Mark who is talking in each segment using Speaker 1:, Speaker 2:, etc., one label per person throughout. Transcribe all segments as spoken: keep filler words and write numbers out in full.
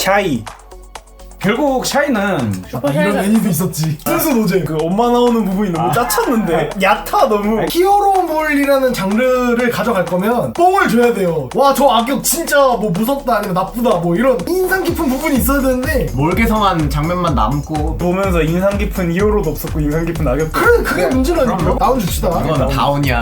Speaker 1: 샤이.
Speaker 2: 결국 샤이는
Speaker 3: 아, 이런 애니도 있었지. 순수 노잼.
Speaker 1: 그 엄마 나오는 부분이 너무 짜쳤는데 얕아 너무.
Speaker 3: 히어로몰이라는 장르를 가져갈 거면 뽕을 줘야 돼요. 와 저 악역 진짜 뭐 무섭다 아니면 나쁘다 뭐 이런 인상 깊은 부분이 있어야 되는데
Speaker 4: 몰개성한 장면만 남고
Speaker 1: 보면서 인상 깊은 히어로도 없었고 인상 깊은 악역도.
Speaker 3: 그래 그게 문제라니까요. 다운 줍시다.
Speaker 4: 이건 다운이야.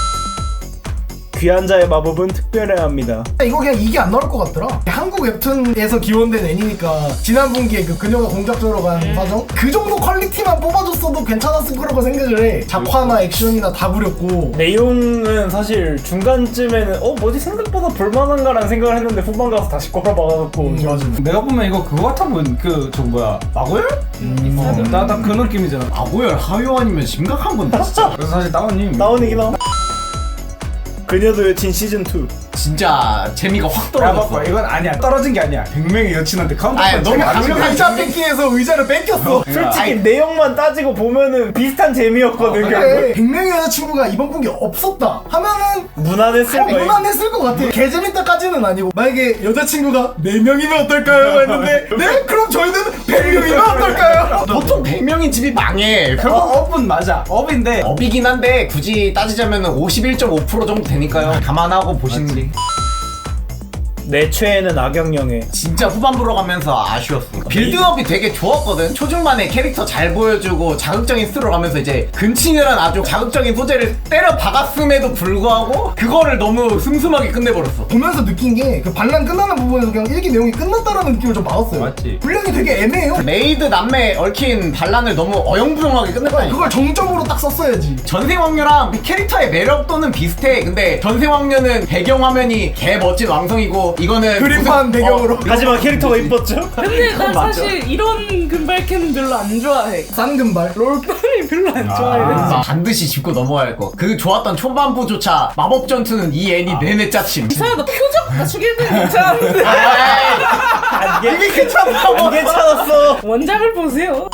Speaker 1: 귀한 자의 마법은 특별해야 합니다.
Speaker 3: 이거 그냥 이게 안 나올 것 같더라. 한국 웹툰에서 기원된 애니니까 지난 분기에 그 그녀가 공작조로 간 사정 그 정도 퀄리티만 뽑아줬어도 괜찮았을 거라고 생각을 해. 작화나 액션이나 다 부렸고
Speaker 1: 내용은 사실 중간쯤에는 어 뭐지 생각보다 볼만한가라는 생각을 했는데 후반 가서 다시 꼬라박아놓고
Speaker 3: 음, 맞아.
Speaker 2: 내가 보면 이거 그거 같아 보인 그저 뭐야 마고열?
Speaker 3: 음,
Speaker 2: 어, 나딱 그 느낌이잖아.
Speaker 4: 마고열 하요아니면 심각한 건데 진짜.
Speaker 2: 그래서 사실 다운님
Speaker 1: 다운이긴 하다. 그녀도 여친 시즌투.
Speaker 4: 진짜 재미가 확
Speaker 2: 야
Speaker 4: 떨어졌어.
Speaker 2: 봐봐 이건 아니야 떨어진 게 아니야. 백 명의 여친한테 카운터
Speaker 4: 아니, 너무
Speaker 3: 아니
Speaker 4: 강력한
Speaker 3: 의자 뺏기에서 의자를 뺏겼어.
Speaker 1: 솔직히
Speaker 4: 아니,
Speaker 1: 내용만 따지고 보면은 비슷한 재미였거든. 결국.
Speaker 3: 그래 백 명의 여자친구가 이번 분기 없었다 하면은
Speaker 1: 무난했을
Speaker 3: 어,
Speaker 1: 거예요.
Speaker 3: 무난했을 것 같아. 개재밌다까지는 아니고 만약에 여자친구가 네 명이면 어떨까요? 했는데 네? 그럼 저희는 백 명이면 어떨까요?
Speaker 4: 보통 백 명인 집이 망해.
Speaker 2: 어,
Speaker 4: 결국
Speaker 2: 업은 맞아 업인데
Speaker 4: 업이긴 한데 굳이 따지자면 오십일 점 오 퍼센트 정도 되니까요. 감안하고 보시는 게
Speaker 1: 내 최애는 악역영애.
Speaker 4: 진짜 후반부로 가면서 아쉬웠어. 빌드업이 되게 좋았거든. 초중반에 캐릭터 잘 보여주고 자극적인 스토리로 가면서 이제 근친이란 아주 자극적인 소재를 때려 박았음에도 불구하고 그거를 너무 슴슴하게 끝내버렸어.
Speaker 3: 보면서 느낀 게 그 반란 끝나는 부분에서 그냥 일기 내용이 끝났다라는 느낌을 좀 받았어요.
Speaker 2: 맞지.
Speaker 3: 분량이 되게 애매해요.
Speaker 4: 메이드 남매 얽힌 반란을 너무 어영부영하게 끝냈다니까.
Speaker 3: 그걸 정점으로 딱 썼어야지.
Speaker 4: 전생왕녀랑 캐릭터의 매력도는 비슷해. 근데 전생왕녀는 배경화면이 개 멋진 왕성이고 이거는
Speaker 3: 그림판
Speaker 4: 무슨-
Speaker 3: 배경으로.
Speaker 4: 어,
Speaker 1: 하지만 캐릭터가 이뻤죠?
Speaker 5: 근데 난 사실 이런 금발캔 별로 안 좋아해.
Speaker 3: 싼금발.
Speaker 5: 롤빵이 별로 안 좋아해.
Speaker 4: 아, 반드시 짚고 넘어가야 할 거. 그 좋았던 초반부조차 마법 전투는 이 애니 내내 짜침.
Speaker 5: 이상하다. 표정 갖추기는 괜찮은데.
Speaker 4: 아,
Speaker 1: 이게 괜찮다고. 이게 괜찮았어.
Speaker 5: 원작을 보세요.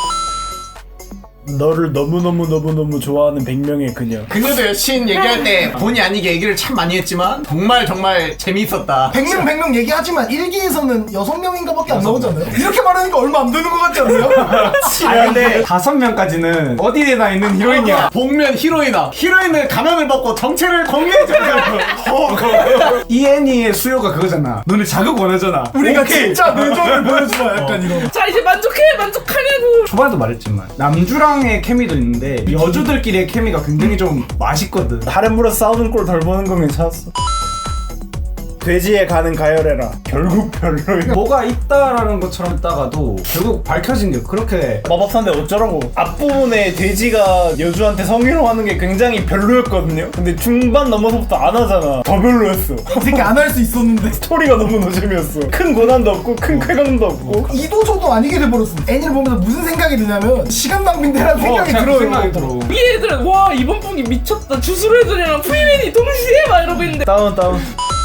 Speaker 1: 너를 너무너무너무너무 좋아하는 백 명의 그녀.
Speaker 4: 그녀도 여친 얘기할 때 본의 아니게 얘기를 참 많이 했지만 정말 정말 재미있었다.
Speaker 3: 백 명 백 명 얘기하지만 일기에서는 여섯 명인가밖에 안 나오잖아요. 이렇게 말하니까 얼마 안 되는 것 같지 않나요?
Speaker 2: 아 근데 다섯 명까지는 어디에나 있는 히로인이야.
Speaker 4: 복면 히로이나 히로인을 가면을 벗고 정체를 공개해주는
Speaker 2: 이 애니의 수요가 그거잖아. 너네 자극 원하잖아.
Speaker 3: 우리가
Speaker 2: 오케이.
Speaker 3: 진짜 내전을 보여주마 약간 이런.
Speaker 5: 자 이제 만족해 만족하냐고.
Speaker 2: 초반에도 말했지만 남주랑의 케미도 있는데 여주들끼리의 케미가 굉장히 좀 맛있거든.
Speaker 1: 다른 물어 싸우는 꼴 덜 보는 건 괜찮았어. 돼지에 가는 가열해라. 결국 별로야.
Speaker 2: 뭐가 있다라는 것처럼 있다가도 결국 밝혀진 게 그렇게
Speaker 1: 마법사인데 어쩌라고. 앞부분에 돼지가 여주한테 성희롱하는 게 굉장히 별로였거든요. 근데 중반 넘어서부터 안 하잖아. 더 별로였어.
Speaker 3: 어떻게 안 할 수 있었는데.
Speaker 1: 스토리가 너무 노잼이었어. 큰 고난도 없고 큰 쾌감도 없고.
Speaker 3: 이도저도 아니게 돼버렸어. 애니를 보면서 무슨 생각이 드냐면 시간 낭비인데라는 생각이
Speaker 2: 그냥
Speaker 3: 들어요.
Speaker 2: 생각이 들어.
Speaker 5: 이 애들은 와 이번 분기 미쳤다. 주술 애들이랑 프리맨이 동시에 막 이러고 있는데.
Speaker 1: 다운 다운.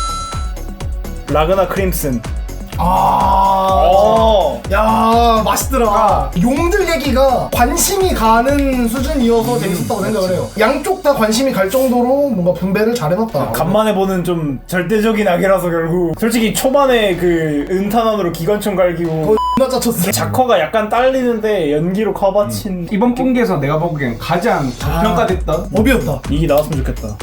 Speaker 1: 라그나 크림슨.
Speaker 3: 아,
Speaker 1: 어.
Speaker 3: 야 맛있더라. 용들 얘기가 관심이 가는 수준이어서 재밌었다고 생각을 해요. 양쪽 다 관심이 갈 정도로 뭔가 분배를 잘 해놨다.
Speaker 1: 간만에 보는 좀 절대적인 악이라서 결국 솔직히 초반에 그 은탄환으로 기관총 갈기고
Speaker 3: 나 짜쳤어.
Speaker 1: 작화가 약간 딸리는데 연기로 커버친
Speaker 2: 이번 분기에서 내가 보기엔 가장 저평가됐던
Speaker 3: 업이었다.
Speaker 1: 이게 나왔으면 좋겠다.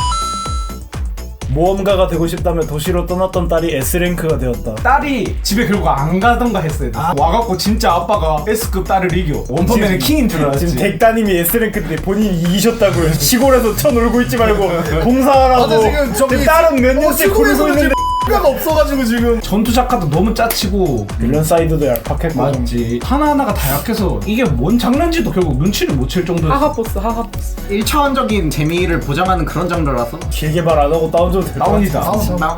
Speaker 1: 모험가가 되고 싶다며 도시로 떠났던 딸이 S랭크가 되었다.
Speaker 2: 딸이 집에 결국 안 가던가 했어야 돼. 와갖고 진짜 아빠가 S급 딸을 이겨. 원펀맨의 킹인 줄 알았지.
Speaker 1: 지금 덱따님이 S랭크인데 본인이 이기셨다고요. 시골에서 쳐놀고 있지 말고 봉사하라고.
Speaker 3: 맞아, 지금 저기
Speaker 1: 딸은 몇 년째 고르고
Speaker 3: 시골에서는
Speaker 1: 있는데
Speaker 3: 가 없어가지고 지금.
Speaker 2: 전투 작가도 너무 짜치고
Speaker 1: 빌런 사이드도 얄팍했고.
Speaker 2: 맞지. 하나하나가 다 약해서 이게 뭔 장르인지도 결국 눈치를 못 챌 정도였어.
Speaker 5: 하하보스 하하보스.
Speaker 4: 일 차원적인 재미를 보장하는 그런 장르라서
Speaker 1: 길게 말 안 하고 다운줘도 될 것 같아.
Speaker 2: 다운이다.
Speaker 3: 다운.
Speaker 4: 나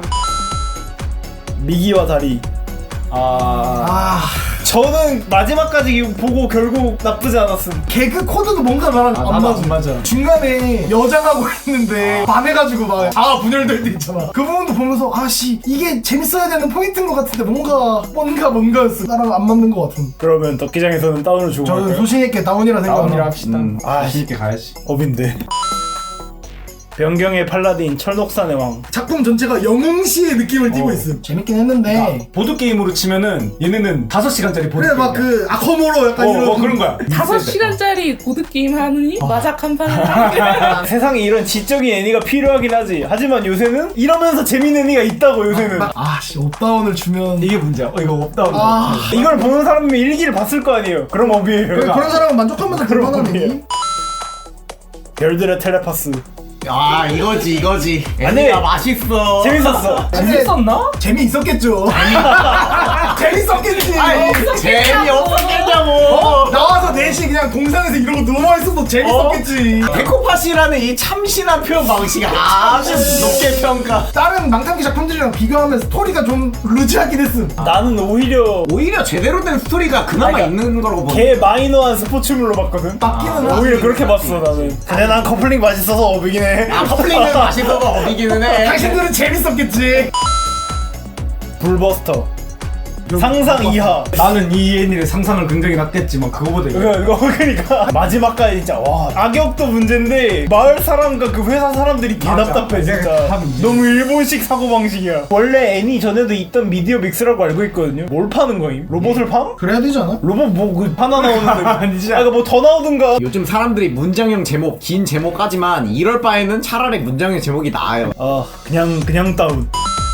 Speaker 1: 미기와 다리.
Speaker 2: 아...
Speaker 3: 아
Speaker 1: 저는 마지막까지 이거 보고 결국 나쁘지 않았음.
Speaker 3: 개그 코드도 뭔가 나랑
Speaker 2: 아,
Speaker 3: 안
Speaker 2: 나도
Speaker 3: 맞아.
Speaker 2: 안 맞아.
Speaker 3: 중간에 여장하고 있는데 반해가지고 막 아 분열될 때 있잖아. 그 부분도 보면서 아씨 이게 재밌어야 되는 포인트인 것 같은데 뭔가 뭔가 뭔가였어. 나랑 안 맞는 것 같은.
Speaker 1: 그러면 덕기장에서는 다운을 주고
Speaker 3: 저는
Speaker 1: 갈까요?
Speaker 3: 소신 있게 다운이라
Speaker 2: 다운이라
Speaker 3: 생각합니다.
Speaker 2: 합시다.
Speaker 1: 음,
Speaker 2: 아, 자신 있게 가야지.
Speaker 1: 업인데. 변경의 팔라딘, 철록산의 왕.
Speaker 3: 작품 전체가 영웅시의 느낌을 띠고 있음. 재밌긴 했는데
Speaker 2: 보드 게임으로 치면은 얘네는 다섯 시간짜리 보드
Speaker 3: 그래
Speaker 2: 게임.
Speaker 3: 막 그 아커모로 약간
Speaker 2: 어,
Speaker 3: 이런
Speaker 2: 어 그런 거야.
Speaker 5: 다섯 시간짜리 보드게임 하느니 마작 한 판을
Speaker 1: 세상에 이런 지적인 애니가 필요하긴 하지. 하지만 요새는 이러면서 재밌는 애니가 있다고 요새는.
Speaker 3: 아씨 업다운을 주면
Speaker 2: 이게 문제야. 어 이거 없다.
Speaker 3: 아
Speaker 1: 이걸 보는 사람이면 일기를 봤을 거 아니에요. 그럼 업이에요.
Speaker 3: 그래, 그런 사람은 만족하면서
Speaker 1: 그런
Speaker 3: 그만하는
Speaker 1: 거예요.
Speaker 3: 애니?
Speaker 1: 별들의 텔레파스.
Speaker 4: 아 이거지 이거지.
Speaker 1: 아니,
Speaker 4: 애니가 맛있어.
Speaker 1: 재밌었어.
Speaker 2: 재밌었나?
Speaker 3: 재미있었겠죠. 재밌었겠지.
Speaker 4: 아니 재미없었겠냐고.
Speaker 3: 어? 나와서 넷이 그냥 동상에서 이러고 누워있어도 재밌었겠지.
Speaker 4: 데코팟이라는 이 참신한 표현 방식이 아주 높게 평가.
Speaker 3: 다른 망상기 작품들이랑 비교하면 스토리가 좀 루즈하긴 했음.
Speaker 1: 나는 오히려
Speaker 4: 오히려 제대로 된 스토리가 그나마
Speaker 1: 아니,
Speaker 4: 있는 거라고 봐.
Speaker 1: 개 마이너한 스포츠물로 봤거든.
Speaker 3: 맞기는
Speaker 1: 아,
Speaker 3: 하지.
Speaker 1: 오히려 그렇게 봤어 나는. 근데 난 커플링 맛있어서 업이긴 해.
Speaker 4: 아 커플링은 맛있어서 어비기는 해.
Speaker 3: 당신들은 재밌었겠지.
Speaker 1: 불버스터. 상상 이하.
Speaker 2: 나는 이 애니를 상상을 굉장히 낮겠지만 그거보다 이거.
Speaker 1: 이거 이거 그러니까 마지막까지 진짜 와 악역도 문제인데 마을 사람과 그 회사 사람들이 개
Speaker 2: 맞아.
Speaker 1: 답답해
Speaker 2: 내가
Speaker 1: 진짜.
Speaker 2: 다 문제야.
Speaker 1: 너무 일본식 사고 방식이야. 원래 애니 전에도 있던 미디어 믹스라고 알고 있거든요. 뭘 파는 거임? 로봇을 팜?
Speaker 3: 그래야 되지 않아?
Speaker 1: 로봇 뭐그 하나 나오는데
Speaker 2: 아니지.
Speaker 1: 아 이거 뭐 더 나오든가.
Speaker 4: 요즘 사람들이 문장형 제목 긴 제목 하지만 이럴 바에는 차라리 문장형 제목이 나아요.
Speaker 1: 아 그냥 그냥 다운.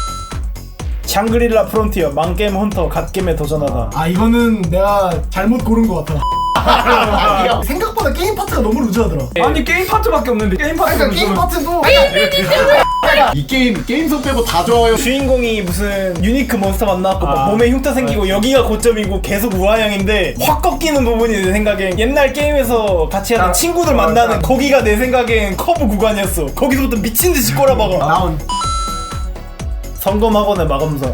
Speaker 1: 샹그릴라 프론티어 망게임 헌터 갓게임에 도전하다.
Speaker 3: 아 이거는 내가 잘못 고른 것 같아.
Speaker 4: 아니요.
Speaker 3: 생각보다 게임 파트가 너무 루즈하더라.
Speaker 2: 아니 게임 파트밖에 없는데 게임 파트.
Speaker 3: 그러니까 게임 파트도
Speaker 4: 이 게임 게임성 빼고 다 좋아요.
Speaker 1: 주인공이 무슨 유니크 몬스터 만나갖고 막
Speaker 2: 아.
Speaker 1: 몸에 흉터 생기고 여기가 고점이고 계속 우아형인데 확 꺾이는 부분이 내 생각엔 옛날 게임에서 같이 하던
Speaker 2: 아,
Speaker 1: 친구들
Speaker 2: 맞아.
Speaker 1: 만나는 거기가 내 생각엔 커브 구간이었어. 거기서부터 미친듯이 꼬라박아.
Speaker 4: 나온
Speaker 1: 성검학원의 마검사.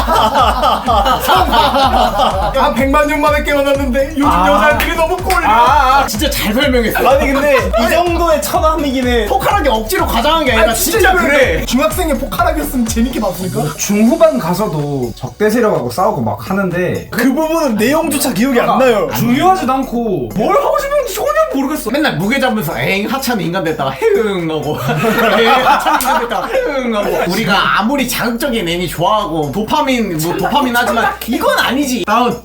Speaker 3: 한 백만 년 만에 깨어났는데 요즘
Speaker 2: 아.
Speaker 3: 여자들이 너무 꼴려.
Speaker 4: 아, 아 진짜 잘 설명했어.
Speaker 1: 아니 근데 이 정도의 천함이긴 해.
Speaker 4: 포카하게 억지로 과장한 게 아니라 진짜 그래.
Speaker 3: 중학생의 포카락이었으면 재밌게 봤을까?
Speaker 2: 중후반 가서도 적대 세력하고 싸우고 막 하는데
Speaker 1: 그 부분은 내용조차 기억이 안 나요.
Speaker 2: 중요하지도 않고 뭘 하고 싶은지 전혀 모르겠어.
Speaker 4: 맨날 무게 잡으면서 에잉 하찮은 인간 됐다가 헤응 하고 에잉 하찮은 인간 됐다가 헤응 하고. 우리가 아무리 자극적인 애니 좋아하고 도파민 뭐 도파민 하지만 이건 아니지. 다운.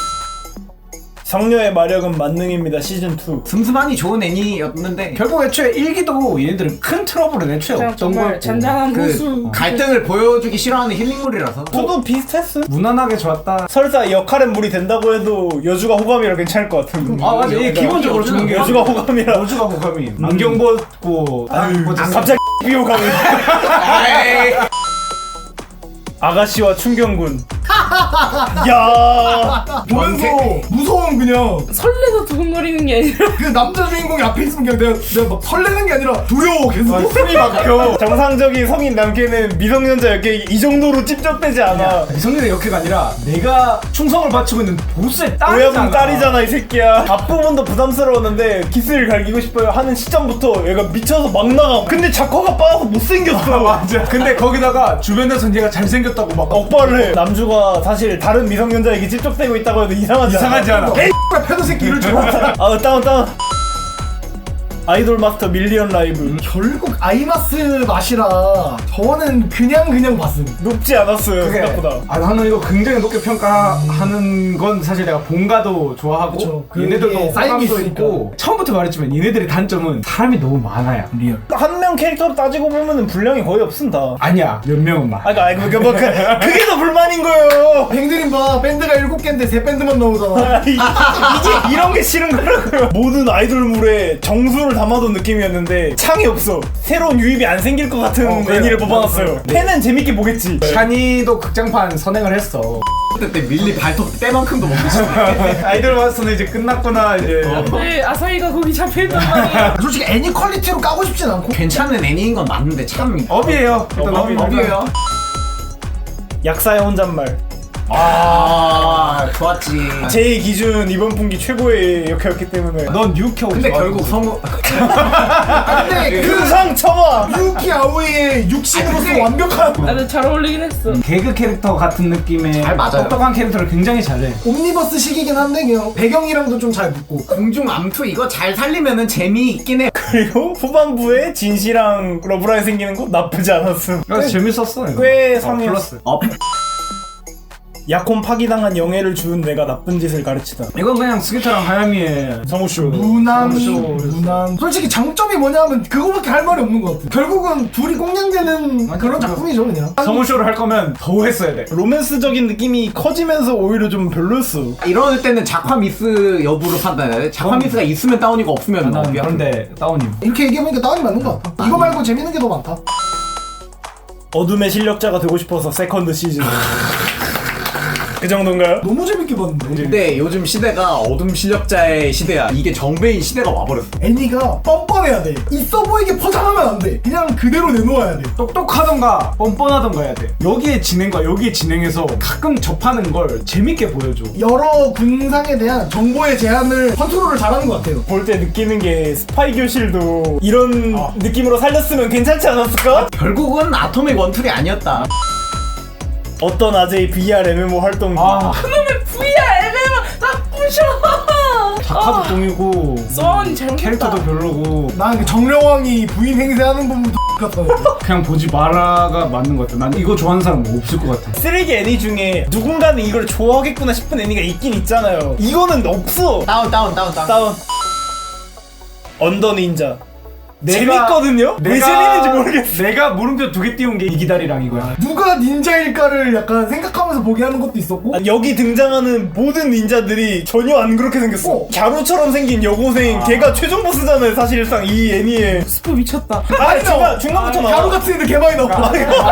Speaker 1: 성녀의 마력은 만능입니다 시즌 투.
Speaker 4: 슴슴하니 좋은 애니였는데
Speaker 2: 결국 애초에 일기도 얘네들은 큰 트러블은 애초에
Speaker 5: 그냥
Speaker 2: 없던
Speaker 5: 정말
Speaker 2: 거였고
Speaker 5: 잔잔한
Speaker 4: 그
Speaker 5: 호수.
Speaker 4: 갈등을 보여주기 싫어하는 힐링물이라서.
Speaker 1: 투도 비슷했어.
Speaker 2: 무난하게 좋았다.
Speaker 1: 설사 역할은 물이 된다고 해도 여주가 호감이라 괜찮을 것 같은.
Speaker 2: 아 맞아. 이게 기본적으로 주는 게
Speaker 1: 여주가 호감이라.
Speaker 2: 여주가 호감이. 안경 벗고 아유 뭐
Speaker 1: 아, 갑자기 비호감이.
Speaker 4: 에이.
Speaker 1: 아가씨와 충경군. 야.
Speaker 3: 보면서 무서운 그냥
Speaker 5: 설레서 두근거리는 게 아니라
Speaker 3: 그 남자 주인공이 앞에 있으면 그냥 내가, 내가 막 설레는 게 아니라 두려워 계속.
Speaker 1: 숨이 막혀. 정상적인 성인 남캐는 미성년자 역에 이 정도로 찝쩍대지 않아.
Speaker 2: 미성년의 역해가 아니라 내가 충성을 바치고 있는 보스의 딸이잖아.
Speaker 1: 오야분 딸이잖아 이 새끼야. 앞부분도 부담스러웠는데 기스를 갈기고 싶어요 하는 시점부터 얘가 미쳐서 막 나가. 근데 작화가 빠져서 못생겼어.
Speaker 2: 맞아. 근데 거기다가 주변에서 얘가 잘생겼다고 막
Speaker 1: 억발을 해. 남주가 사실 다른 미성년자에게 찝쩍대고 있다고 해도 이상하지 않아.
Speaker 2: 이상하지 않아.
Speaker 3: 에이 패도 새끼 이럴 줄 알았다.
Speaker 1: 아 다운 다운. 아이돌 마스터 밀리언 라이브.
Speaker 3: 결국 아이마스 맛이라 저는 그냥 그냥 봤음.
Speaker 1: 높지 않았어요
Speaker 2: 그게
Speaker 1: 생각보다.
Speaker 2: 아 나는 이거 굉장히 높게 평가하는 건 사실 내가 본가도 좋아하고
Speaker 3: 그쵸. 그게
Speaker 2: 얘네들도
Speaker 3: 쌓인 게
Speaker 2: 호감도
Speaker 3: 있으니까.
Speaker 2: 있고 처음부터 말했지만 얘네들의 단점은 사람이 너무 많아요. 리얼.
Speaker 1: 한 명 캐릭터로 따지고 보면은 분량이 거의 없습니다.
Speaker 2: 아니야 몇 명은 많아.
Speaker 1: 아, 그러니까 아니, 그, 뭐, 그, 그게 더 불만인 거예요.
Speaker 3: 뱅드림 봐 밴드가 일곱 개인데 세 밴드만 나오잖아.
Speaker 1: 이- 이게 이런 게 싫은 거라고요. 모든 아이돌물에 정수를 담아둔 느낌이었는데 창이 없어. 새로운 유입이 안 생길 것 같은
Speaker 2: 어, 그래.
Speaker 1: 애니를 뽑아놨어요.
Speaker 2: 네.
Speaker 1: 팬은 재밌게 보겠지.
Speaker 2: 샤니도 극장판 선행을 했어.
Speaker 4: 그때 밀리 발톱 때만큼도 먹기 싫어.
Speaker 2: 아이돌 마스터는 이제 끝났구나 이제.
Speaker 5: 네, 아사히가 거기 잡혀있단 말이야.
Speaker 3: 솔직히 애니 퀄리티로 까고 싶진 않고.
Speaker 4: 괜찮은 애니인 건 맞는데 참
Speaker 2: 업이에요. 일단
Speaker 1: 어,
Speaker 2: 업이
Speaker 4: 업이에요.
Speaker 1: 약사의 혼잣말.
Speaker 4: 아 좋았지.
Speaker 1: 제 기준 이번 분기 최고의 역할이었기 때문에
Speaker 2: 넌 뉴켜.
Speaker 4: 근데 결국 성우
Speaker 3: 근데 그
Speaker 1: 그상 쳐봐.
Speaker 3: 유키 아오이의 육신으로서 완벽한
Speaker 5: 나는 잘 어울리긴 했어.
Speaker 2: 개그 캐릭터 같은 느낌의
Speaker 4: 잘 맞아요.
Speaker 2: 똑똑한 캐릭터를 굉장히 잘해.
Speaker 3: 옴니버스 식이긴 한데 그냥 배경이랑도 좀 잘 붙고.
Speaker 4: 공중 암투 이거 잘 살리면은 재미있긴 해.
Speaker 1: 그리고 후반부에 진시랑 러브라인 생기는 거 나쁘지 않았음.
Speaker 2: 그래서 재밌었어. 이거.
Speaker 1: 꽤
Speaker 2: 어,
Speaker 1: 상이었어.
Speaker 2: 플러스.
Speaker 4: 어
Speaker 1: 약혼 파기당한 영예를 주운 내가 나쁜 짓을 가르치다.
Speaker 2: 이건 그냥 스기타랑 하야미의
Speaker 1: 성우쇼.
Speaker 3: 무난히
Speaker 2: 그렇죠.
Speaker 3: 무난. 솔직히 장점이 뭐냐면 그거밖에 할 말이 없는 것 같아. 결국은 둘이 꽁냥대는
Speaker 2: 맞아,
Speaker 3: 그런
Speaker 2: 맞아.
Speaker 3: 작품이죠 그냥.
Speaker 2: 성우쇼를 할 거면 더 했어야 돼.
Speaker 1: 로맨스적인 느낌이 커지면서 오히려 좀 별로였어.
Speaker 4: 이럴 때는 작화 미스 여부를 판단해야 돼. 작화 미스가 있으면 다운이고 없으면
Speaker 2: 난
Speaker 4: 업이야.
Speaker 2: 그런데 다운이.
Speaker 3: 이렇게 얘기해보니까 다운이 맞는 것 같아. 이거 말고 재밌는 게 더 많다.
Speaker 1: 어둠의 실력자가 되고 싶어서 세컨드 시즌. 그 정도인가요?
Speaker 3: 너무 재밌게 봤는데.
Speaker 4: 근데 요즘 시대가 어둠 실력자의 시대야. 이게 정배인 시대가 와버렸어.
Speaker 3: 애니가 뻔뻔해야 돼. 있어 보이게 포장하면 안 돼. 그냥 그대로 내놓아야 돼.
Speaker 2: 똑똑하던가 뻔뻔하던가 해야 돼. 여기에 진행과 여기에 진행해서 가끔 접하는 걸 재밌게 보여줘.
Speaker 3: 여러 군상에 대한 정보의 제한을 컨트롤을 잘하는 것 같아요.
Speaker 1: 볼 때 느끼는 게 스파이 교실도 이런 느낌으로 살렸으면 괜찮지 않았을까?
Speaker 4: 결국은 아토믹 원툴이 아니었다.
Speaker 1: 어떤 아재의 브이알 엠엠오 활동.
Speaker 2: 아,
Speaker 5: 그놈의 브이알 엠엠은 다 부셔.
Speaker 2: 작화도 똥이고
Speaker 5: 썬 잘못했다.
Speaker 2: 캐릭터도 별로고
Speaker 3: 난 그 정령왕이 부인 행세하는 부분도 같다.
Speaker 2: 그냥 보지 마라가 맞는 것 같아. 난 이거 좋아하는 사람 없을 것 같아.
Speaker 1: 쓰레기 애니 중에 누군가는 이걸 좋아하겠구나 싶은 애니가 있긴 있잖아요. 이거는 없어.
Speaker 4: 다운 다운 다운 다운.
Speaker 1: 다운. 언더 닌자.
Speaker 2: 내가-
Speaker 1: 재밌거든요? 왜 재밌는지 모르겠어.
Speaker 2: 내가 물음표 두 개 띄운 게 이기다리랑 이거야.
Speaker 3: 누가 닌자일까를 약간 생각하면서 보게 하는 것도 있었고.
Speaker 1: 아니, 여기 등장하는 모든 닌자들이 전혀 안 그렇게 생겼어.
Speaker 3: 어.
Speaker 1: 갸루처럼 생긴 여고생. 걔가 최종 보스잖아요, 사실상 이 애니에. 스프 미쳤다. 아, 중간, 중간부터 나와.
Speaker 3: 가루 같은 애들 개많이 나와.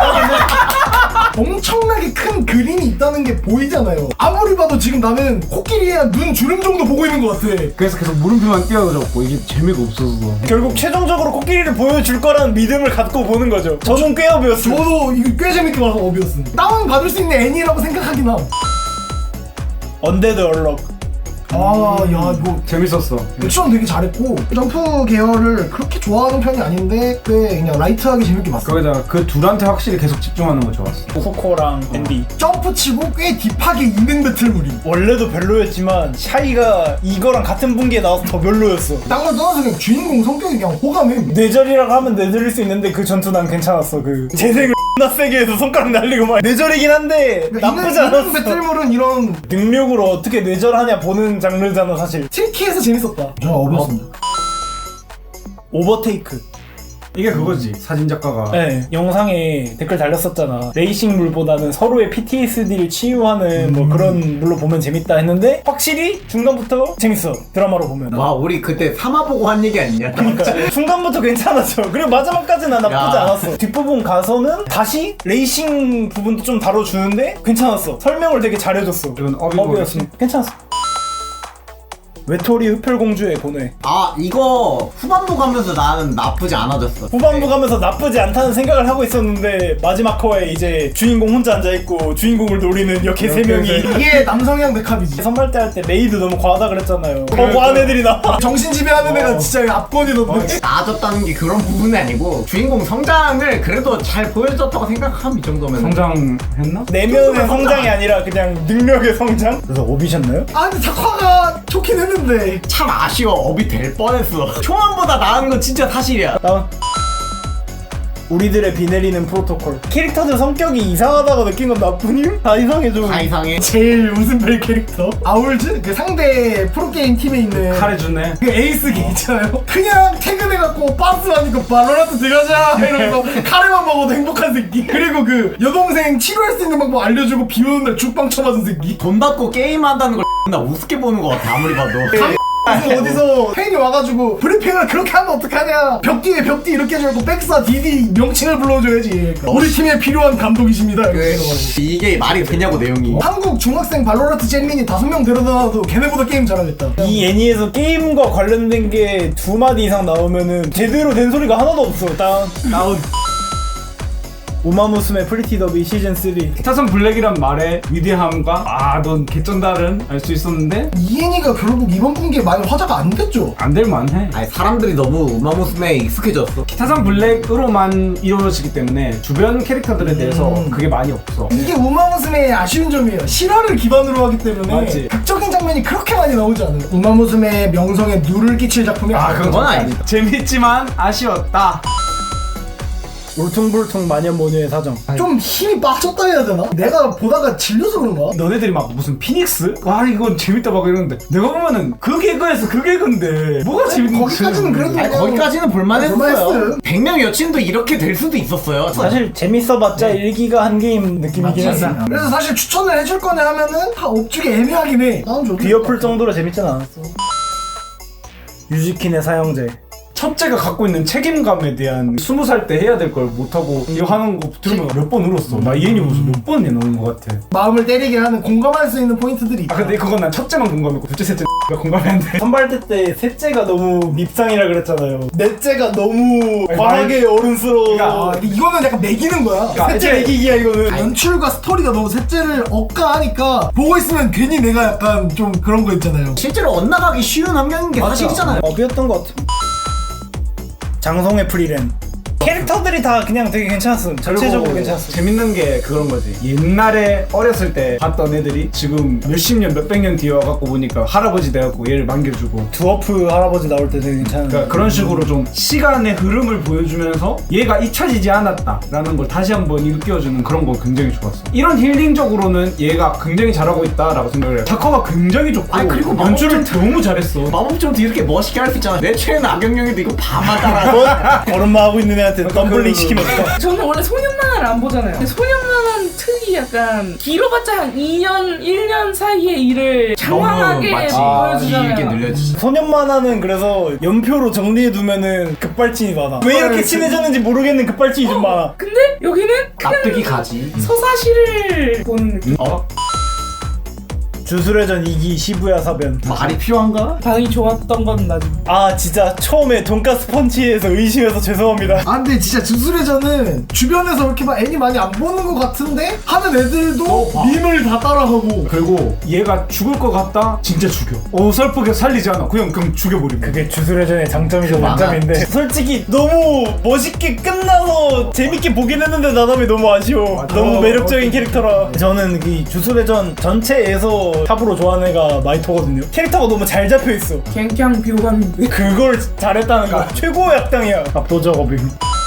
Speaker 3: 엄청나게 큰 그림이 있다는 게 보이잖아요. 아무리 봐도 지금 나는 코끼리의 눈 주름 정도 보고 있는 것 같아.
Speaker 2: 그래서 계속 물음표만 띄워줬고 이게 재미가 없어서.
Speaker 1: 결국 최종적으로 코끼리를 보여줄 거라는 믿음을 갖고 보는 거죠. 저는 꾀업이었어요.
Speaker 3: 저도 이거 꽤 재밌게 봐서 업이었음. 다운 받을 수 있는 애니라고 생각하긴 함.
Speaker 1: 언데드 얼럭.
Speaker 3: 아, 야, 이거
Speaker 2: 재밌었어.
Speaker 3: 액션 되게 잘했고 점프 계열을 그렇게 좋아하는 편이 아닌데 꽤 그냥 라이트하게 재밌게 봤어.
Speaker 2: 거기다가 그 둘한테 확실히 계속 집중하는 거 좋았어.
Speaker 1: 코코랑 앤디.
Speaker 3: 점프 치고 꽤 딥하게 있는 배틀물이.
Speaker 1: 원래도 별로였지만 샤이가 이거랑 같은 분기에 나와서 더 별로였어.
Speaker 3: 딴걸 떠나서 그냥 주인공 성격이 그냥 호감해.
Speaker 1: 뇌절이라고 하면 뇌절일 수 있는데 그 전투 난 괜찮았어. 그 재생을 나 세게 해서 손가락 날리고 막 뇌절이긴 한데 나쁘지
Speaker 3: 있는
Speaker 1: 않았어.
Speaker 3: 배틀물은 이런
Speaker 1: 능력으로 어떻게 뇌절하냐 보는 장르잖아 사실.
Speaker 3: 트리키해서 재밌었다. 저 업이었습니다.
Speaker 1: 오버테이크.
Speaker 2: 이게 그거지. 사진 작가가
Speaker 1: 네, 영상에 댓글 달렸었잖아. 레이싱 물보다는 서로의 피티에스디를 치유하는 뭐 그런 물로 보면 재밌다 했는데 확실히 중간부터 재밌어. 드라마로 보면.
Speaker 4: 와 우리 그때 삼화 보고 한 얘기 아니냐?
Speaker 1: 그러니까 중간부터 괜찮았죠. 그리고 마지막까지는 나쁘지
Speaker 4: 야.
Speaker 1: 않았어. 뒷부분 가서는 다시 레이싱 부분도 좀 다뤄주는데 괜찮았어. 설명을 되게 잘해줬어.
Speaker 2: 이건 업이
Speaker 1: 업이었어. 괜찮았어. 외톨이 흡혈공주의 고뇌.
Speaker 4: 아 이거 후반부 가면서 나는 나쁘지 않아졌어.
Speaker 1: 후반부 가면서 나쁘지 않다는 생각을 하고 있었는데 마지막 화에 이제 주인공 혼자 앉아있고 주인공을 노리는 여캐 세 명이
Speaker 3: 이게 남성향 백합이지.
Speaker 1: 선발대 할 때 메이드 너무 과하다 그랬잖아요. 거부한 애들이 나와.
Speaker 3: 정신 지배하는 애가 진짜 압권이던데.
Speaker 4: 나아졌다는 게 그런 부분이 아니고 주인공 성장을 그래도 잘 보여줬다고 생각함 이 정도면.
Speaker 2: 성장했나?
Speaker 1: 내면의 성장이 아니라 그냥 능력의 성장? 그래서 오비셨나요?
Speaker 3: 아 근데 작화가 좋긴 했는데.
Speaker 4: 참 아쉬워. 업이 될 뻔했어. 초반보다 나은 건 진짜 사실이야.
Speaker 1: 다운. 우리들의 비 내리는 프로토콜. 캐릭터들 성격이 이상하다고 느낀 건 나뿐임? 다 이상해 좀.
Speaker 4: 다 이상해.
Speaker 3: 제일 웃음벨 캐릭터 아울즈? 그 상대 프로게임 팀에 있는
Speaker 2: 칼해주네.
Speaker 3: 그 에이스 걔 있잖아요. 그냥 퇴근해갖고 빠스 하니까 발로란트 들어가자 이러면서 카레만 먹어도 행복한 새끼. 그리고 그 여동생 치료할 수 있는 방법 알려주고 비 오는 날 죽빵 쳐맞은 새끼.
Speaker 4: 돈 받고 게임한다는 걸 나 우습게 보는 것 같아 아무리 봐도.
Speaker 3: 그래서 어디서 팬이 와가지고 브리핑을 그렇게 하면 어떡하냐. 벽 뒤에 벽 뒤 이렇게 해주고 백사 디디 명칭을 불러줘야지. 그러니까 우리 팀에 필요한 감독이십니다 이렇게 해가지고.
Speaker 4: 이게 말이 되냐고 내용이.
Speaker 3: 한국 중학생 발로란트 잼민이 다섯 명 데려다놔도 걔네보다 게임 잘하겠다.
Speaker 1: 이 애니에서 게임과 관련된 게 두 마디 이상 나오면은 제대로 된 소리가 하나도 없어. 다운.
Speaker 4: 다운.
Speaker 1: 우마무스메 프리티 더비 시즌 삼.
Speaker 2: 타선 블랙이란 말의 위대함과 아 넌 개쩐다는 알 수 있었는데
Speaker 3: 이엔이가 결국 이번 분기에 많이 화제가 안 됐죠.
Speaker 2: 안 될 만해.
Speaker 4: 아니 사람들이 너무 우마무스메에 익숙해졌어.
Speaker 2: 타산 블랙으로만 이루어지기 때문에 주변 캐릭터들에 대해서
Speaker 3: 음.
Speaker 2: 그게 많이 없어.
Speaker 3: 이게 우마무스메의 아쉬운 점이에요. 실화를 기반으로 하기 때문에
Speaker 2: 맞지.
Speaker 3: 극적인 장면이 그렇게 많이 나오지 않아요. 우마무스메의 명성에 누를 끼칠 작품이
Speaker 2: 아
Speaker 3: 아니죠.
Speaker 4: 그건 아니다.
Speaker 2: 재밌지만 아쉬웠다.
Speaker 1: 울퉁불퉁 마녀모녀의 사정.
Speaker 3: 좀 힘이 빠졌다 해야 되나? 내가 보다가 질려서 그런가?
Speaker 2: 너네들이 막 무슨 피닉스? 와 이건 재밌다 막 이러는데 내가 보면은 그 개그에서 그 개그인데 뭐가 재밌는
Speaker 3: 거기까지는 그래도
Speaker 4: 아니, 거기까지는 볼만했어요.
Speaker 3: 볼만했어요.
Speaker 4: 백 명 여친도 이렇게 될 수도 있었어요.
Speaker 1: 사실 재밌어봤자 일 기가 한 게임 느낌이긴
Speaker 3: 맞지?
Speaker 1: 했어.
Speaker 3: 그래서 사실 추천을 해줄 거네 하면은 다 업주기 애매하긴 해. 나는 좀
Speaker 1: 귀엎을 정도로 재밌진 않았어. 유지킨의 사형제.
Speaker 2: 첫째가 갖고 있는 책임감에 대한 스무 살 때 해야 될 걸 못하고 이거 하는 거 들으면 몇 번 울었어. 나 이엔이 무슨 몇 번이나 나오는 것 같아.
Speaker 3: 마음을 때리게 하는 공감할 수 있는 포인트들이 있다.
Speaker 2: 아 근데 그건 난 첫째만 공감했고 둘째 셋째가 공감이 안 돼.
Speaker 1: 선발대 때 셋째가 너무 밉상이라 그랬잖아요. 넷째가 너무
Speaker 2: 아니,
Speaker 1: 과하게 어른스러워.
Speaker 3: 아, 근데 이거는 약간 매기는 거야.
Speaker 1: 셋째
Speaker 2: 이제-
Speaker 1: 매기기야 이거는.
Speaker 3: 연출과 스토리가 너무 셋째를 억까하니까 보고 있으면 괜히 내가 약간 좀 그런 거 있잖아요.
Speaker 4: 실제로 엇나가기 쉬운 환경인 게 사실이잖아요.
Speaker 1: 업이었던 것 같아. 장성의 프리랜. 캐릭터들이 다 그냥 되게 괜찮았음. 전체적으로
Speaker 2: 그리고
Speaker 1: 괜찮았음.
Speaker 2: 재밌는 게 그런 거지. 옛날에 어렸을 때 봤던 애들이 지금 몇십 년, 몇백 년 뒤에 와갖고 보니까 할아버지 돼갖고 얘를 만겨주고.
Speaker 1: 두어프 할아버지 나올 때 되게 괜찮은.
Speaker 2: 그러니까 그런 식으로 좀 시간의 흐름을 보여주면서 얘가 잊혀지지 않았다라는 걸 다시 한번 일깨워주는 그런 거 굉장히 좋았어. 이런 힐링적으로는 얘가 굉장히 잘하고 있다라고 생각을 해요. 다커가 굉장히 좋고
Speaker 4: 아니, 그리고
Speaker 2: 연출을
Speaker 4: 마법전-
Speaker 2: 너무 잘했어. 마법전도
Speaker 4: 이렇게 멋있게 할 수 있잖아. 내 최애는 악영영인데 이거 밤만 따라.
Speaker 1: 걸음마 하고 있는 애한테 덤블링 시키면 어떡해.
Speaker 5: 저는 원래 소년 만화를 안 보잖아요. 근데 소년 만화는 특이 약간 길어봤자 한 이 년, 일 년 사이의 일을 장황하게
Speaker 4: 마치
Speaker 5: 보여주잖아요.
Speaker 4: 길게 늘려주지.
Speaker 1: 소년 만화는 그래서 연표로 정리해두면은 급발진이 많아. 왜 이렇게 친해졌는지 모르겠는 급발진이 좀 많아.
Speaker 5: 근데 여기는
Speaker 4: 납득이 가지.
Speaker 5: 서사시를 보는 느낌.
Speaker 4: 어?
Speaker 1: 주술회전 이 기 시부야 사변.
Speaker 4: 말이 필요한가?
Speaker 5: 반응이 좋았던 건 나중.
Speaker 1: 아 진짜 처음에 돈가스 펀치에서 의심해서 죄송합니다.
Speaker 3: 아 근데 진짜 주술회전은 주변에서 이렇게 막 애니 많이 안 보는 것 같은데 하는 애들도
Speaker 2: 어, 봐.
Speaker 3: 밈을 다 따라하고.
Speaker 2: 그리고 얘가 죽을 것 같다? 진짜 죽여. 어설프게 살리지 않아. 그냥 그냥 죽여버리고.
Speaker 1: 그게 주술회전의 장점이자
Speaker 4: 많아.
Speaker 1: 단점인데 솔직히 너무 멋있게 끝나서 재밌게 보긴 했는데 나담이 너무 아쉬워.
Speaker 2: 맞아.
Speaker 1: 너무 매력적인 캐릭터라. 저는 이 주술회전 전체에서 탑으로 좋아하는 애가 마이토거든요. 캐릭터가 너무 잘 잡혀있어.
Speaker 5: 갱gang 비호감인데.
Speaker 1: 그걸 잘했다는 거 최고의 악당이야. 압도적 어빙.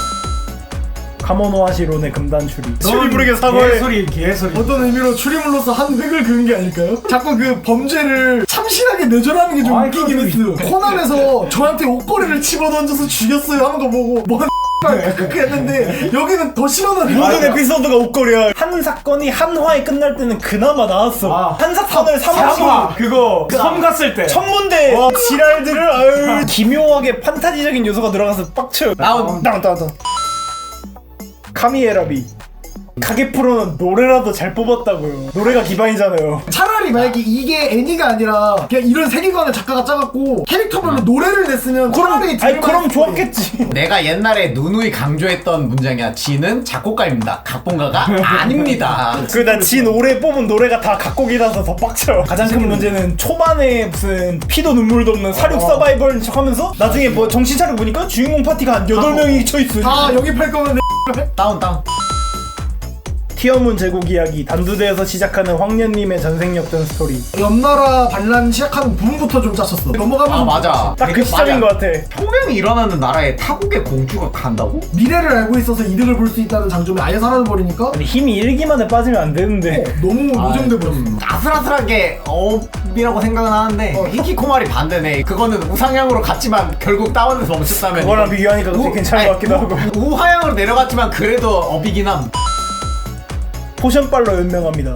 Speaker 1: 카모노하시론의 금단 추리. 소리 부르게 사과해.
Speaker 2: 개소리 개소리.
Speaker 3: 어떤 의미로 추리물로서 한 획을 그은 게 아닐까요? 자꾸 그 범죄를 참신하게 내조라는 게 좀
Speaker 2: 아이,
Speaker 3: 웃기긴
Speaker 2: 그것도
Speaker 3: 했어요. 코난에서 저한테 옷걸이를 집어던져서 죽였어요 하는 거 보고 뭔 그렇게 했는데 여기는 더 심하다는
Speaker 1: 모든
Speaker 3: 거야.
Speaker 1: 에피소드가 옷걸이야. 한 사건이 한 화에 끝날 때는 그나마 나았어.
Speaker 2: 아.
Speaker 1: 한 사건을 삼
Speaker 2: 삼화
Speaker 1: 화
Speaker 2: 그거 섬 갔을 때.
Speaker 1: 천문대 지랄들을 아유 기묘하게 판타지적인 요소가 들어가서 빡쳐요.
Speaker 4: 다운.
Speaker 1: 다운 다운 다운. 카미에라비. 가게프로는 노래라도 잘 뽑았다고요. 노래가 기반이잖아요.
Speaker 3: 차라리 만약에 이게 애니가 아니라 그냥 이런 세계관을 작가가 짜갖고 캐릭터별로 노래를 냈으면
Speaker 1: 그럼
Speaker 3: 차라리
Speaker 1: 아니 그럼
Speaker 3: 들을만했을
Speaker 1: 좋았겠지.
Speaker 4: 내가 옛날에 누누이 강조했던 문장이야. 지는 작곡가입니다. 각본가가 아닙니다.
Speaker 1: 그 나 진 올해 뽑은 노래가 다 각곡이라서 더 빡쳐. 가장 큰 문제는 초반에 무슨 피도 눈물도 없는 사륙 서바이벌 척하면서 나중에 뭐 정신 차려 보니까 주인공 파티가 한 여덟 명이 쳐있어.
Speaker 3: 다 영입할 거면 내
Speaker 4: 다운 다운.
Speaker 1: 티어문 제국 이야기. 단두대에서 시작하는 황년님의 전생 역전 스토리.
Speaker 3: 옆나라 반란 시작하는 부분부터 좀 짜쳤어. 넘어가면서
Speaker 4: 아 맞아.
Speaker 1: 딱 그 시점인 것 같아.
Speaker 4: 혁명이 일어나는 나라에 타국의 공주가 간다고?
Speaker 3: 미래를 알고 있어서 이득을 볼 수 있다는 장점이 아예 사라져버리니까
Speaker 1: 근데 힘이 일 기만에 빠지면 안 되는데.
Speaker 3: 너무 노정돼 버렸어.
Speaker 4: 아슬아슬하게 어업이라고 생각은 하는데
Speaker 3: 어.
Speaker 4: 히키코마리 반대네. 그거는 우상향으로 갔지만 결국 다운에서 멈췄다면
Speaker 1: 그거랑 비교하니까 그게 괜찮은 것 같기도 하고.
Speaker 4: 우하향으로 내려갔지만 그래도 업이긴 함.
Speaker 1: 포션빨로 연명합니다.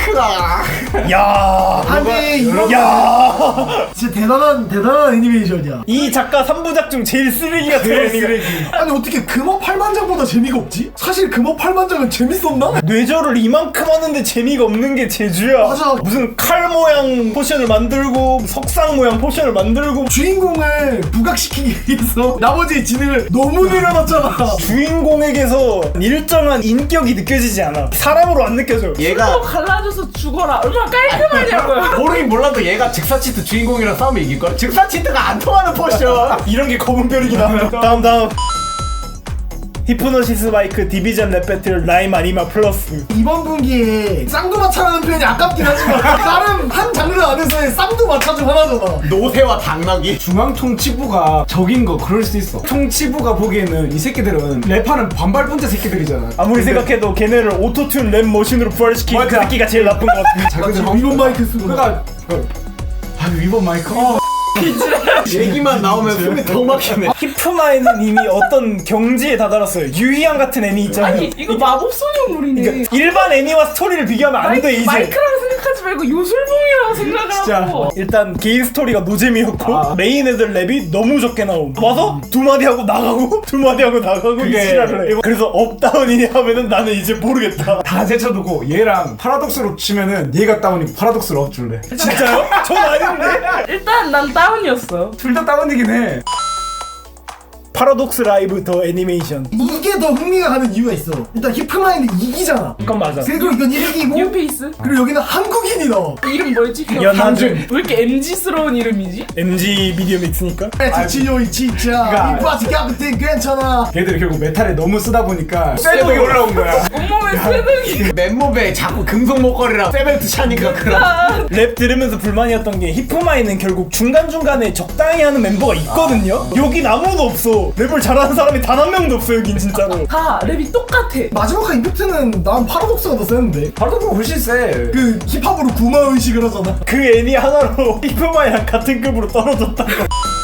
Speaker 4: 마이크가.
Speaker 1: 야,
Speaker 3: 아니 이거
Speaker 1: 야,
Speaker 3: 진짜 대단한 대단한 애니메이션이야.
Speaker 1: 이 작가 삼 부작 중 제일 쓰레기 같은 애니가.
Speaker 3: 아니 어떻게 금어 팔만장보다 재미가 없지? 사실 금어 팔만장은 재밌었나?
Speaker 1: 뇌절을 이만큼 하는데 재미가 없는 게 제주야.
Speaker 3: 맞아.
Speaker 1: 무슨 칼 모양 포션을 만들고 석상 모양 포션을 만들고
Speaker 3: 주인공을 부각시키기 위해서 나머지 지능을 너무 늘려놨잖아.
Speaker 1: 주인공에게서 일정한 인격이 느껴지지 않아. 사람으로 안 느껴져.
Speaker 5: 또
Speaker 4: 얘가
Speaker 5: 갈라져서 죽어라. 얼마나 깔끔하냐고요.
Speaker 4: 모르긴 몰라도 얘가 즉사치트 주인공이랑 싸우면 이길걸? 즉사치트가 안 통하는 포션.
Speaker 1: 이런 게 검은 뼈이긴 하네. 다음 다음. 히프노시스 마이크 디비전 랩 배틀 라임 아니마 플러스.
Speaker 3: 이번 분기에 쌍두마차라는 표현이 아깝긴 하지만 다른 한 장르 안에서의 쌍두마차 중 하나잖아.
Speaker 4: 노새와 당나귀.
Speaker 2: 중앙통치부가 적인 거 그럴 수 있어. 통치부가 보기에는 이 새끼들은 랩하는 반발분자 새끼들이잖아.
Speaker 1: 아무리
Speaker 2: 근데
Speaker 1: 생각해도 걔네를 오토튠 랩 머신으로 부활시킨 그
Speaker 2: 맞아.
Speaker 1: 새끼가 제일 나쁜 것 같아.
Speaker 2: 자기들
Speaker 3: 위본 마이크 쓰고.
Speaker 2: 그니까 아 위본 마이크 어.
Speaker 4: 얘기만 나오면 숨이 더 막히네.
Speaker 1: 히프마에는 이미 어떤 경지에 다다랐어요. 유희양 같은 애니 있잖아요.
Speaker 5: 아니 이거 마법 소녀물이네.
Speaker 1: 그러니까 일반 애니와 스토리를 비교하면 안 돼 이제.
Speaker 5: 마이크라고 생각하지 말고 요술봉이라고 생각을
Speaker 2: 진짜.
Speaker 5: 하고.
Speaker 1: 일단 개인 스토리가 노잼이었고
Speaker 2: 아.
Speaker 1: 메인 애들 랩이 너무 적게 나옴. 와서 두 마디 하고 나가고 두 마디 하고 나가고 이
Speaker 2: 그게-
Speaker 1: 지랄을 해. 그래서 업다운이냐 하면은 나는 이제 모르겠다.
Speaker 2: 다 제쳐두고 얘랑 파라독스로 치면은 얘가 다운이고 파라독스로 업줄래.
Speaker 1: 진짜요? 전 아닌데.
Speaker 5: 일단 난 다운이었어.
Speaker 2: 둘 다 다운이긴 해.
Speaker 1: 파라독스 라이브 더 애니메이션.
Speaker 3: 이게 더 흥미가 가는 이유가 있어. 일단 히프마인드 이기잖아.
Speaker 1: 그건 맞아.
Speaker 3: 그리고 이건 일기고
Speaker 5: 뉴페이스?
Speaker 3: 그리고 여기는 한국인이 나와.
Speaker 5: 이름 뭐였지?
Speaker 1: 연하준.
Speaker 5: 왜 이렇게 엠지스러운 이름이지?
Speaker 1: 엠지 미디어 믹스니까.
Speaker 3: 지요이 진짜
Speaker 2: 그러니까-
Speaker 3: 이 파티 값은 괜찮아.
Speaker 2: 걔들이 결국 메탈에 너무 쓰다 보니까 쇠독이 올라온 거야.
Speaker 5: 온몸에 쇠등이.
Speaker 4: 맨몸에 자꾸 금속 목걸이랑 세벨트 차니까 그런.
Speaker 1: 랩 들으면서 불만이었던 게 히프마에는 결국 중간중간에 적당히 하는 멤버가 있거든요. 여긴 아무도 없어. 랩을 잘하는 사람이 단 한 명도 없어 여긴 진짜로.
Speaker 5: 다 랩이 똑같아.
Speaker 3: 마지막 임팩트는 난 파라독스가 더 세는데.
Speaker 2: 파라독스가 훨씬 세.
Speaker 3: 그 힙합으로 구마 의식을 하잖아.
Speaker 1: 그 애니 하나로 히프마이랑 같은 급으로 떨어졌다고.